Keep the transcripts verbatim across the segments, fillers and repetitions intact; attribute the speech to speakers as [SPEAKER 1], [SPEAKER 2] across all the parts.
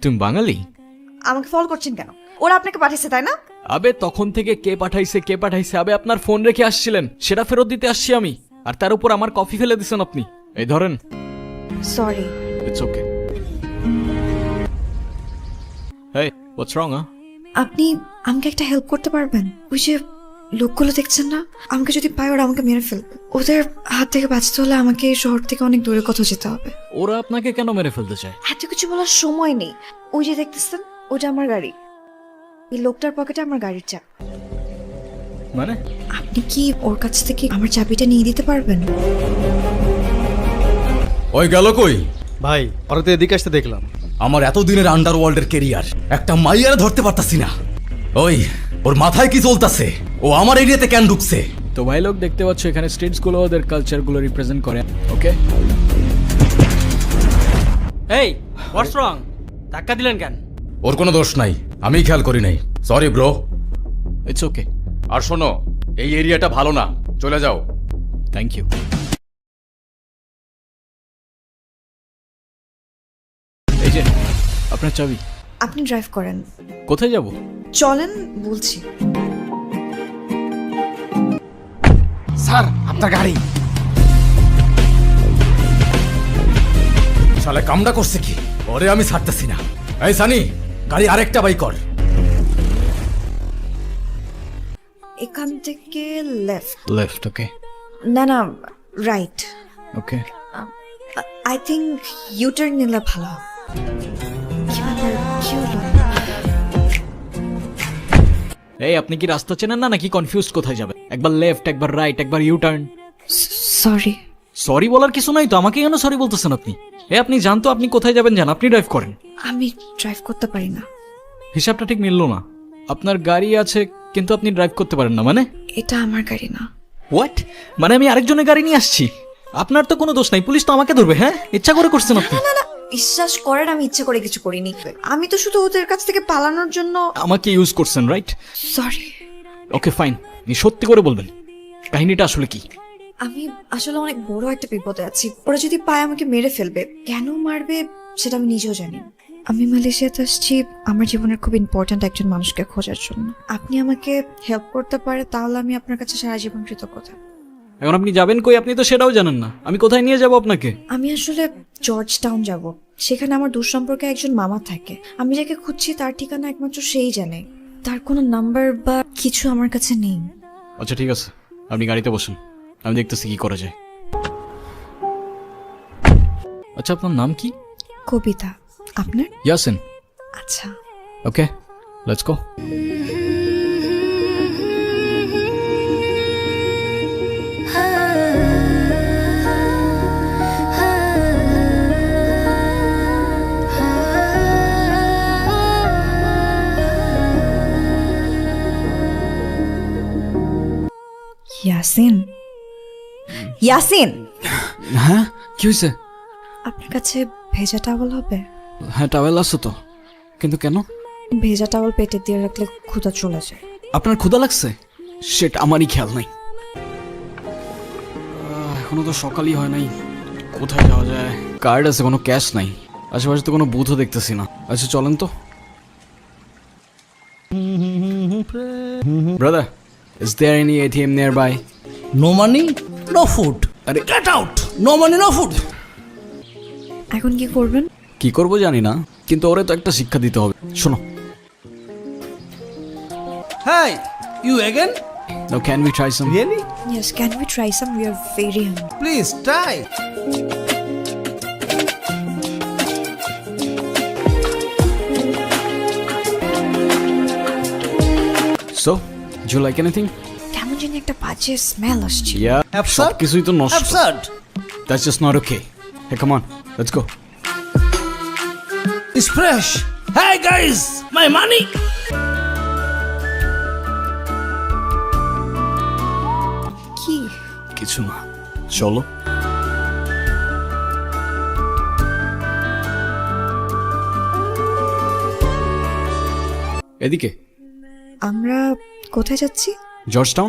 [SPEAKER 1] তুমি বাঙালি?
[SPEAKER 2] আমাকে ফলো করছেন কেন? ওরা আপনাকে পাঠিয়েছে তাই না?
[SPEAKER 1] আবে তখন থেকে কে পাঠাইছে কে পাঠাইছে, আবে আপনার ফোন রেখে আসছিলেন, সেটা ফেরত দিতে আসছি আমি, আর তার উপর আমার কফি ফেলে দিছেন আপনি। এই ধরেন।
[SPEAKER 2] Sorry.
[SPEAKER 1] It's okay. Hey, what's wrong?
[SPEAKER 2] আপনি আমাকে একটা হেল্প করতে পারবেন? ওই যে লোকগুলো দেখছেন না, আমাকে যদি পায় ওরা আমাকে মেরে ফেলবে। ওদের হাত থেকে বাঁচতে হলে আমাকে এই শহর থেকে অনেক দূরে কোথাও যেতে হবে।
[SPEAKER 1] ওরা আপনাকে কেন মেরে ফেলতে চায়?
[SPEAKER 2] এত কিছু বলার সময় নেই। ওই যে দেখতেছেন, ওটা আমার গাড়ি। এই লোকটার পকেটে আমার গাড়ির চাবি।
[SPEAKER 1] মানে?
[SPEAKER 2] আপনি কি ওর কাছ থেকে আমার চাবিটা নিয়ে দিতে পারবেন?
[SPEAKER 3] ওই গেল কই?
[SPEAKER 4] ভাই ওরা তো এদিকে আসতে দেখলাম।
[SPEAKER 3] আমার এতদিনের আন্ডারওয়ার্ল্ডের কেরিয়ার, একটা মাইয়ারে ধরতে পারতাছি না। ওই ওর মাথায় কি চলতেছে? ও আমার এরিয়াতে কেন ঢুকছে?
[SPEAKER 1] তো ভাই লোক, দেখতে পাচ্ছ এখানে স্টেটসগুলো ওদের কালচারগুলো রিপ্রেজেন্ট করে। ওকে,
[SPEAKER 5] এই হোয়াটস রং? ধাক্কা দিলেন কেন?
[SPEAKER 3] ওর কোনো দোষ নাই, আমি খেয়াল করি নাই। Sorry bro.
[SPEAKER 1] It's okay.
[SPEAKER 3] আর শোনো, এই এরিয়াটা ভালো না, চলে যাও।
[SPEAKER 1] Thank you. এই যে আপনার চাবি।
[SPEAKER 2] আপনি ড্রাইভ করেন।
[SPEAKER 1] কোথায় যাব?
[SPEAKER 2] চলেন বলছি।
[SPEAKER 4] স্যার আপনার গাড়ি।
[SPEAKER 3] শালা কামড়া করছে কি? ওরে আমি ছাড়তেছি না। এই সানি, গাড়ি আরেকটা বাই কর।
[SPEAKER 2] এখান থেকে লেফট।
[SPEAKER 1] লেফট। ওকে
[SPEAKER 2] না না, right.
[SPEAKER 1] Okay.
[SPEAKER 2] I think U-turn নিলে ভালো হবে। কি ব্যাপার, কি হলো?
[SPEAKER 1] এই আপনি কি রাস্তা চেনেন না নাকি কনফিউজড কোথায় যাবেন? একবার লেফট, একবার রাইট, একবার ইউ টার্ন।
[SPEAKER 2] সরি।
[SPEAKER 1] সরি বলার কিছু নাই তো, আমাকে কেন সরি বলতেছেন আপনি? এ আপনি জানতো আপনি কোথায় যাবেন, জান, আপনি ড্রাইভ করেন।
[SPEAKER 2] আমি ড্রাইভ করতে পারি না।
[SPEAKER 1] হিসাবটা ঠিক মিললো না। আপনার গাড়ি আছে কিন্তু আপনি ড্রাইভ করতে পারেন না মানে?
[SPEAKER 2] এটা আমার গাড়ি না।
[SPEAKER 1] হোয়াট? মানে আমি আরেকজনের গাড়ি নিয়ে আসছি? আপনার তো কোনো দোষ নাই, পুলিশ তো আমাকে ধরবে। হ্যাঁ, ইচ্ছা করে করছেন আপনি।
[SPEAKER 2] না না, বিশ্বাস করেন আমি ইচ্ছে করে কিছু করিনি। আমি তো শুধু ওদের কাছ থেকে পালানোর জন্য।
[SPEAKER 1] আমাকে ইউজ করছেন, রাইট?
[SPEAKER 2] সরি।
[SPEAKER 1] ওকে ফাইন, আপনি সত্যি করে বলবেন কাহিনীটা আসলে কি?
[SPEAKER 2] আমি আসলে অনেক বড় একটা বিপদে আছি। ওরা যদি পায় আমাকে মেরে ফেলবে। কেন মারবে সেটা আমি নিজেও জানি না। আমি মালয়েশিয়াতে আসছি আমার জীবনের খুব ইম্পর্ট্যান্ট একজন মানুষকে খোঁজার জন্য। আপনি আমাকে হেল্প করতে পারে তাহলে আমি আপনার কাছে সারা জীবন কৃতজ্ঞ থাকব।
[SPEAKER 1] এখন আপনি যাবেন কই? আপনি তো সেটাও জানেন না। আমি কোথায় নিয়ে যাব আপনাকে?
[SPEAKER 2] আমি আসলে জর্জ টাউন যাব। সেখানে আমার দূর সম্পর্কে একজন মামা থাকে। আমি যাকে খুঁজছি তার ঠিকানা একমাত্র সেই জানে। তার কোনো নাম্বার বা কিছু আমার কাছে নেই।
[SPEAKER 1] আচ্ছা ঠিক আছে, আপনি গাড়িতে বসুন, আমি দেখতেছি কি করা যায়। আচ্ছা আপনার নাম কি?
[SPEAKER 2] কবিতা। আপনার?
[SPEAKER 1] ইয়াসিন।
[SPEAKER 2] আচ্ছা।
[SPEAKER 1] Okay, let's go.
[SPEAKER 2] Yasin. Yasin,
[SPEAKER 1] হ্যাঁ কি হয়েছে?
[SPEAKER 2] আপনার কাছে ভেজা টাওয়াল হবে?
[SPEAKER 1] হ্যাঁ টাওয়েল আছে তো, কিন্তু কেন?
[SPEAKER 2] ভেজা টাওয়াল পেটে দিয়ে রাখলে ক্ষুধা চলে যায়।
[SPEAKER 1] আপনার ক্ষুধা লাগছে? সেটা আমারই খেয়াল নাই। আহ, এখনো তো সকালই হয় নাই, কোথায় যাওয়া যায়? কার্ড আছে, কোনো ক্যাশ নাই, আশেপাশে তো কোনো বুথও দেখতেছি না। আচ্ছা চলেন তো। Brother, is there any A T M nearby?
[SPEAKER 6] No money, no food.
[SPEAKER 1] আরে
[SPEAKER 6] Get out! No money, no food.
[SPEAKER 2] এখন কি করবেন?
[SPEAKER 1] কি করবো জানি না, কিন্তু ওরে তো একটা শিক্ষা দিতে হবে। শোনো।
[SPEAKER 6] Hey, you again?
[SPEAKER 1] Now can we try some?
[SPEAKER 6] Really?
[SPEAKER 2] Yes, can we try some? We are very hungry.
[SPEAKER 6] Please try.
[SPEAKER 1] So, do you like anything?
[SPEAKER 2] কেমন জানি একটা বাজে স্মেল আসছে।
[SPEAKER 1] Yeah,
[SPEAKER 6] Absurd?
[SPEAKER 1] সব কিছুই তো নষ্ট।
[SPEAKER 6] Absurd.
[SPEAKER 1] That's just not okay. Hey, come on, let's go.
[SPEAKER 6] It's fresh. Hey guys, my money.
[SPEAKER 2] কি?
[SPEAKER 1] কিছু না, চলো। এদিকে।
[SPEAKER 2] আমরা কোথায় যাচ্ছি?
[SPEAKER 1] George town.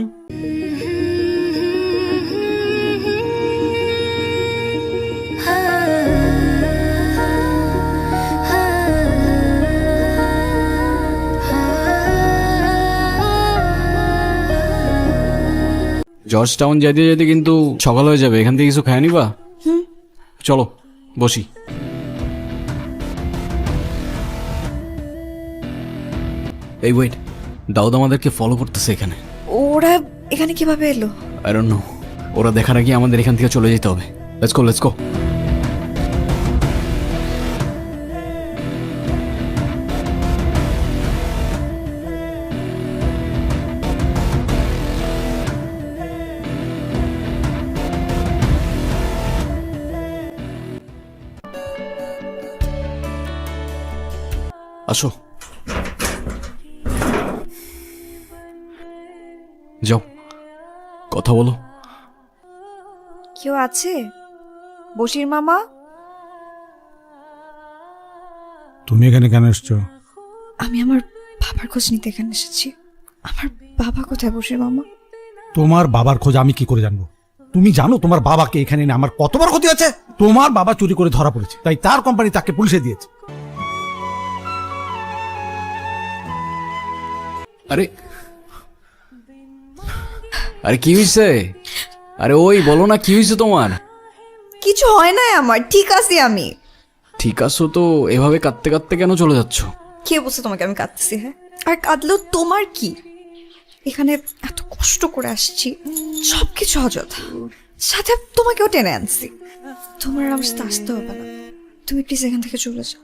[SPEAKER 1] জর্জ টাউন যাইতে যেতে কিন্তু সকাল হয়ে যাবে, এখান থেকে কিছু খায় নিবা? চলো বসি। এই ওয়েট, দাউদ আমাদেরকে ফলো করতেছে এখানে।
[SPEAKER 2] ওরা এখানে কিভাবে এলো?
[SPEAKER 1] আই ডোন্ট নো, ওরা দেখার আগে আমাদের এখান থেকে চলে যেতে হবে। Let's go let's go. আসো, যাও কথা বলো।
[SPEAKER 2] কেউ আছে? বশির মামা?
[SPEAKER 7] তুমি এখানে কেন এসছো?
[SPEAKER 2] আমি আমার বাবার খোঁজ নিতে এখানে এসেছি। আমার বাবা কোথায় বশির মামা?
[SPEAKER 7] তোমার বাবার খোঁজ আমি কি করে জানবো? তুমি জানো তোমার বাবাকে এখানে এনে আমার কত বড় ক্ষতি আছে? তোমার বাবা চুরি করে ধরা পড়েছে, তাই তার কোম্পানি তাকে পুলিশে দিয়েছে।
[SPEAKER 1] আরে আরে কি হয়েছে? আরে ওই বলো না, কি হয়েছে তোমার?
[SPEAKER 2] কিছু হয় না আমার, ঠিক আছি আমি।
[SPEAKER 1] ঠিক আছো তো? এভাবে কাঁদতে কাঁদতে কেন চলে যাচ্ছ?
[SPEAKER 2] কে বলছে তোমাকে আমি কাঁদতেছি? হ্যাঁ, আর কাঁদলেও তোমার কি? এখানে এত কষ্ট করে আসছি, সবকিছু অযথা, সাথে তোমাকেও টেনে আনছি। তোমার আর আমার সাথে আসতে হবে না, তুমি প্লিজ এখান থেকে চলে যাও।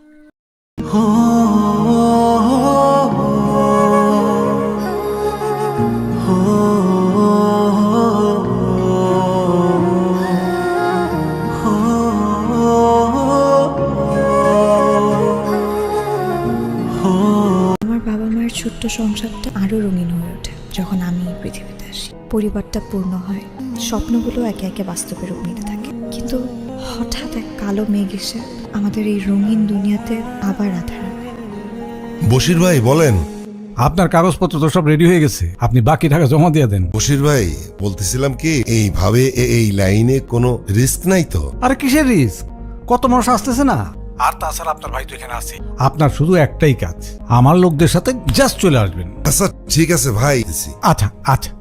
[SPEAKER 2] আমার বাবা মায়ের ছোট্ট সংসারটা আরো রঙিন হয়ে ওঠে যখন আমি এই পৃথিবীতে আসি। পরিবারটা পূর্ণ হয়, স্বপ্নগুলো একে একে বাস্তবে রূপ নিতে থাকে। কিন্তু হঠাৎ এক কালো মেঘ এসে আমাদের এই রঙিন দুনিয়াতে আবার আধার আনে।
[SPEAKER 8] বশির ভাই বলেন।
[SPEAKER 7] আপনার কাগজপত্র তো সব রেডি হয়ে গেছে, আপনি বাকি টাকা জমা দিয়ে দেন।
[SPEAKER 8] বশির ভাই বলতেছিলাম কি, এইভাবে এ- এই লাইনে কোনো রিস্ক নাই তো?
[SPEAKER 7] আরে কিসের রিস্ক? কত মানুষ আসতেছে না। আর তাছাড়া আপনার ভাই তো এখানে আছে। আপনার শুধু একটাই কাজ, আমার লোকদের সাথে জাস্ট চলে আসবেন।
[SPEAKER 8] আচ্ছা ঠিক আছে ভাই।
[SPEAKER 7] আচ্ছা আচ্ছা।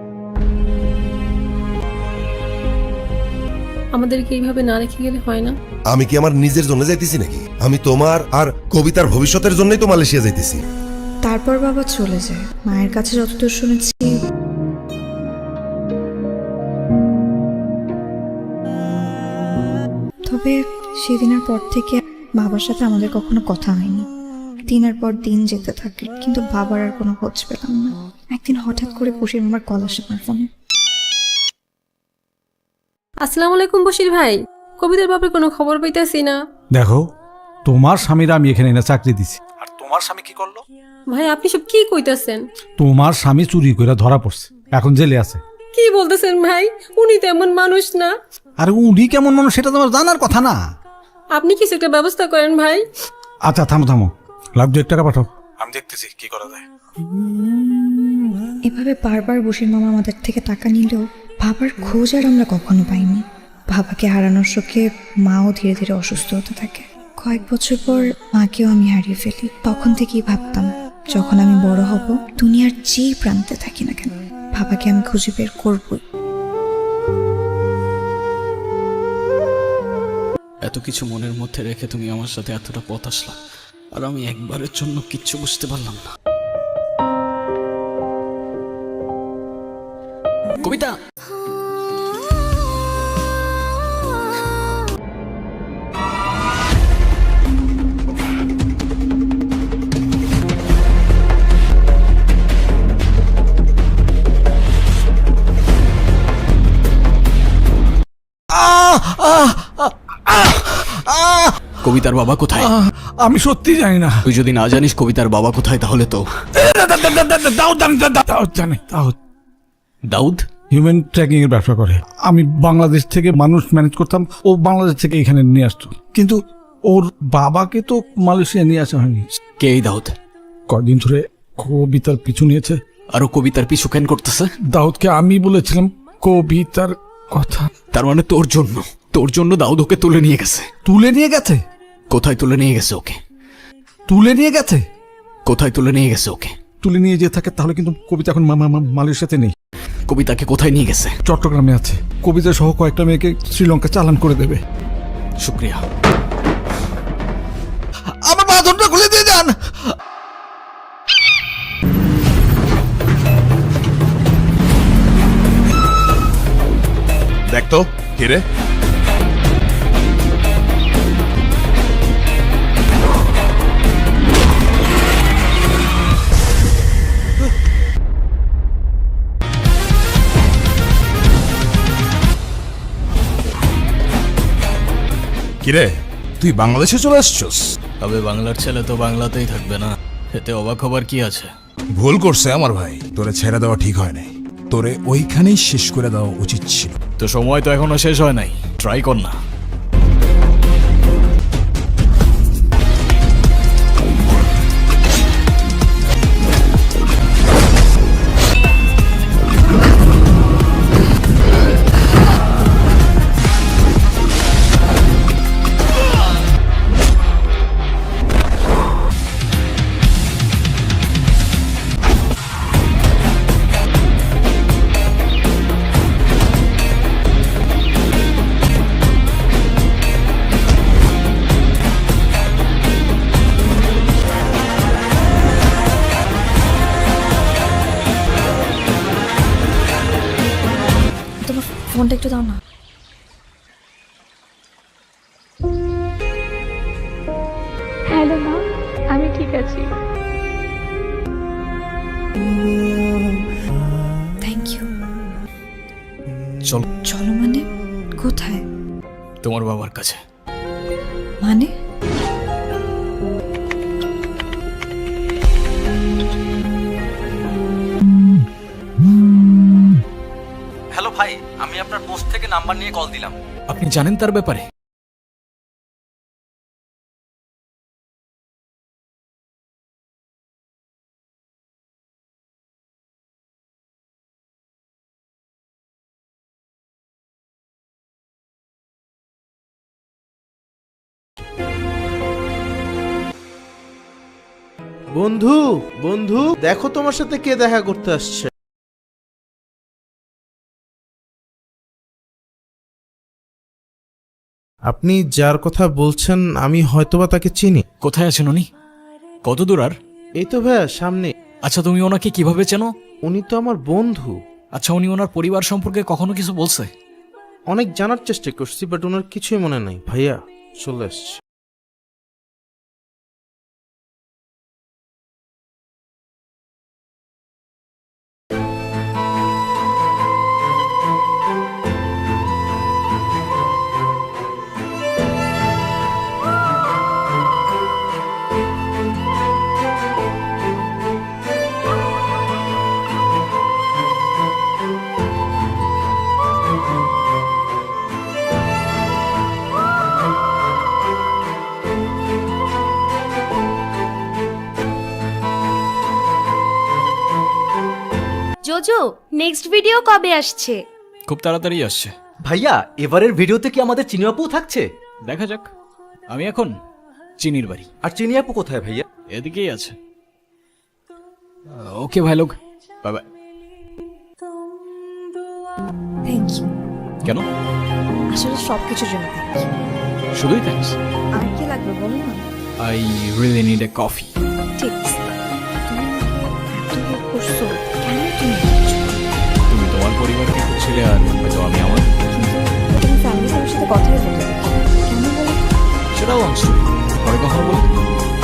[SPEAKER 9] আমাদেরকে এইভাবে না রেখে গেলে হয় না।
[SPEAKER 8] আমি কি আমার নিজের জন্য যাইতেছি নাকি? আমি তোমার আর কবিতার ভবিষ্যতের জন্যই তো মালয়েশিয়া যাইতেছি।
[SPEAKER 2] তারপর বাবা চলে যায়। মায়ের কাছে যতদূর শুনেছি, তবে সেদিনের পর থেকে বাবার সাথে আমাদের কখনো কথা হয়নি। দিনের পর দিন যেতে থাকে, কিন্তু বাবার আর কোনো খোঁজ পেলাম না। একদিন হঠাৎ করে বশির মামার কল আসে আমার ফোনে।
[SPEAKER 9] আসসালামু আলাইকুম বশির ভাই, কবিতার ব্যাপারে কোনো খবর পাইতেছি না।
[SPEAKER 7] দেখো, তোমার স্বামীরা আমি এখানে এনে চাকরি দিছি, আর তোমার স্বামী কি করলো?
[SPEAKER 9] ভাই আপনি সব কি কইতাছেন?
[SPEAKER 7] তোমার স্বামী চুরি করে ধরা পড়ছে, এখন জেলে আছে।
[SPEAKER 9] কি বলতেছেন ভাই? উনি তো এমন মানুষ না।
[SPEAKER 7] আরে উনি কেমন মানুষ সেটা তোমার জানার কথা না।
[SPEAKER 9] আপনি কিছু একটা ব্যবস্থা করেন ভাই।
[SPEAKER 7] আচ্ছা থামো থামো, লাখ দু এক টাকা পাঠাও, আমি দেখতেছি কি করা যায়।
[SPEAKER 2] এভাবে বারবার বশির মামা আমাদের থেকে টাকা নিলেও বাবার খোঁজ আর আমরা কখনো পাইনি। বাবাকে হারানোর শোকে মাও ধীরে ধীরে অসুস্থ হতে থাকে। কয়েক বছর পর মাকেও আমি হারিয়ে ফেলি। তখন থেকেই ভাবতাম, যখন আমি বড় হব, দুনিয়ার যেই প্রান্তে থাকি না কেন, বাবাকে আমি খুঁজে বের করবই।
[SPEAKER 1] এত কিছু মনের মধ্যে রেখে তুমি আমার সাথে এতটা পথ আসলা, আর আমি একবারের জন্য কিচ্ছু বুঝতে পারলাম না। কবিতা, কবিতার বাবা কোথায়?
[SPEAKER 7] আমি সত্যি জানি না।
[SPEAKER 1] তুই যদি না জানিস কবিতার বাবা কোথায়, তাহলে তো
[SPEAKER 7] দাউদ জানি, দাউদ জানি, দাউদ
[SPEAKER 1] দাউদ
[SPEAKER 7] হিউম্যান ট্র্যাকিং এর ব্যবসা করে। আমি বাংলাদেশ থেকে মানুষ ম্যানেজ করতাম, ও বাংলাদেশ থেকে এখানে নিয়ে আসতো, কিন্তু ওর বাবাকে তো মালয়েশিয়া নিয়ে আসা হয়নি।
[SPEAKER 1] কে এই দাউদ?
[SPEAKER 7] কদিন ধরে কবিতার পিছু নিয়েছে।
[SPEAKER 1] আরো কবিতার পিছু কেন করতেছে?
[SPEAKER 7] দাউদকে আমি বলেছিলাম কবিতার কথা।
[SPEAKER 1] তার মানে তোর জন্য, তোর জন্য দাউদ ওকে তুলে নিয়ে গেছে।
[SPEAKER 7] তুলে নিয়ে গেছে?
[SPEAKER 1] কোথায় তুলে নিয়ে গেছে ওকে?
[SPEAKER 7] তুলে নিয়ে গেছে?
[SPEAKER 1] কোথায় তুলে নিয়ে গেছে ওকে?
[SPEAKER 7] তুলে নিয়ে যেতে থাকে তাহলে কিন্তু কবিতা এখন মা- মা- মা- মালয়েশিয়াতে নেই।
[SPEAKER 1] কবিতাকে কোথায় নিয়ে গেছে?
[SPEAKER 7] চট্টগ্রামে আছে। কবিতা সহ কয়েকটা মেয়েকে শ্রীলঙ্কা চালান করে দেবে।
[SPEAKER 1] শুক্রিয়া।
[SPEAKER 7] আমার বাঁধনটা খুলে দিয়ে যান।
[SPEAKER 8] দেখ তো কে রে? কিরে, তুই বাংলাদেশে চলে আসছস?
[SPEAKER 1] তবে বাংলার ছেলে তো বাংলাতেই থাকবে না, এতে অবাক হবার কি আছে?
[SPEAKER 10] ভুল করছে আমার ভাই, তোরে ছেড়ে দেওয়া ঠিক হয় নাই, তোরে ওইখানেই শেষ করে দেওয়া উচিত ছিল।
[SPEAKER 1] তো সময় তো এখনো শেষ হয় নাই, ট্রাই কর না।
[SPEAKER 2] তোমার ফোনটা একটু দাও না।
[SPEAKER 9] হ্যালো মা, আমি ঠিক আছি।
[SPEAKER 2] Thank you.
[SPEAKER 1] চল,
[SPEAKER 2] চলো মানে? কোথায়?
[SPEAKER 1] তোমার বাবার কাছে।
[SPEAKER 2] মানে?
[SPEAKER 3] হ্যালো ভাই, আমি আপনার পোস্ট থেকে নাম্বার নিয়ে কল দিলাম।
[SPEAKER 1] আপনি জানেন তার ব্যাপারে?
[SPEAKER 4] বন্ধু বন্ধু দেখো তোমার সাথে কে দেখা করতে আসছে। আপনি যার কথা বলছেন আমি হয়তোবা তাকে চিনি।
[SPEAKER 1] কোথায় আছেন উনি? কত দূর আর?
[SPEAKER 4] এই তো ভাইয়া সামনে।
[SPEAKER 1] আচ্ছা, তুমি ওনাকে কিভাবে চেনো?
[SPEAKER 4] উনি তো আমার বন্ধু।
[SPEAKER 1] আচ্ছা, উনি ওনার পরিবার সম্পর্কে কখনো কিছু বলছে?
[SPEAKER 4] অনেক জানার চেষ্টা করছি বাট ওনার কিছুই মনে নাই। ভাইয়া চলে আসছে।
[SPEAKER 11] জোজো, নেক্সট ভিডিও কবে আসছে?
[SPEAKER 1] খুব তাড়াতাড়ি আসছে।
[SPEAKER 3] ভাইয়া, এবারের ভিডিওতে কি আমাদের চিনি আপু থাকছে?
[SPEAKER 1] দেখা যাক। আমি এখন চিনির বাড়ি।
[SPEAKER 3] আর চিনি আপু কোথায় ভাইয়া?
[SPEAKER 1] এদিকেই আছে। ওকে ভাই লোক, বাই বাই।
[SPEAKER 2] Thank you.
[SPEAKER 1] কেন?
[SPEAKER 2] আসলে সব কিছুর জন্য থ্যাংক ইউ।
[SPEAKER 1] শুধুই থ্যাঙ্কস?
[SPEAKER 2] আর কি লাগবে বলো না।
[SPEAKER 1] I really need a coffee.
[SPEAKER 2] ঠিক আছে। তুমি এত হেল্প করছো, কেন তুমি?
[SPEAKER 1] তুমি তোমার পরিবারকে খুঁজছিলে আর হয়তো আমি আমার।
[SPEAKER 2] তুমি ফ্যামিলির সবার সাথে কথাই বলতে দেখি কেন বলো?
[SPEAKER 1] সেটাও লং স্টোরি, পরে কখনো বলি।